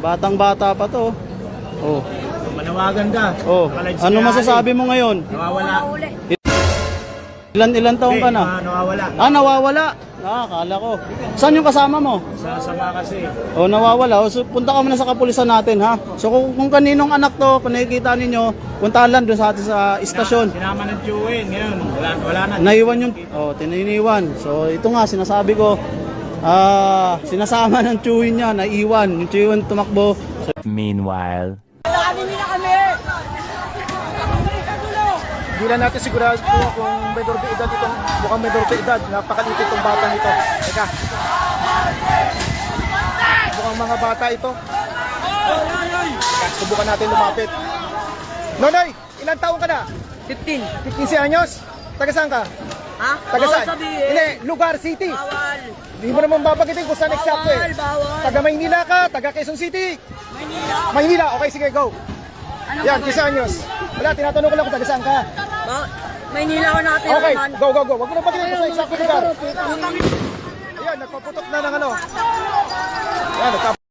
Batang-bata pa to. Oh. Manawagan ka. Oh. Ano masasabi mo ngayon? Nawawala. Ilan taong ka na? Nawawala. Nawawala. Akala ko. Saan yung kasama mo? Sama kasi. Oh, nawawala. So, punta ka muna sa kapulisan natin, ha? So, kung kaninong anak to, kung nakikita ninyo, puntahan lang doon sa atin sa istasyon. Sinama ng Chewin. Ngayon, wala na. Naiwan yung, tininiwan. So, ito nga, sinasabi ko, sinasama ng chewin niya, naiwan. Yung chewin tumakbo. So, Meanwhile. Hindi na natin sigurado kung menor de edad itong, mukhang menor de edad, napakaliit itong batang ito. Teka. Mukhang mga bata ito. Teka, subukan natin lumapit. Nonoy, ilang taong ka na? 15. 15 anyos? Taga saan ka? Ha? Taga saan? Bawal sabihin. Hindi, lugar, city. Bawal. Hindi mo naman babagitin kung saan eksakto eh. Bawal. Taga Maynila ka, taga Quezon City. Maynila. Maynila, okay sige, go. Anong Yan, bawal? 15 anyos. Wala, tinatanong ko lang kung taga saan ka. Maynila ko natin. Okay, go, go, go. Wag mo na bagitin kung saan eksakto lugar. Ayan, nagpaputok na ng ano. Ayan,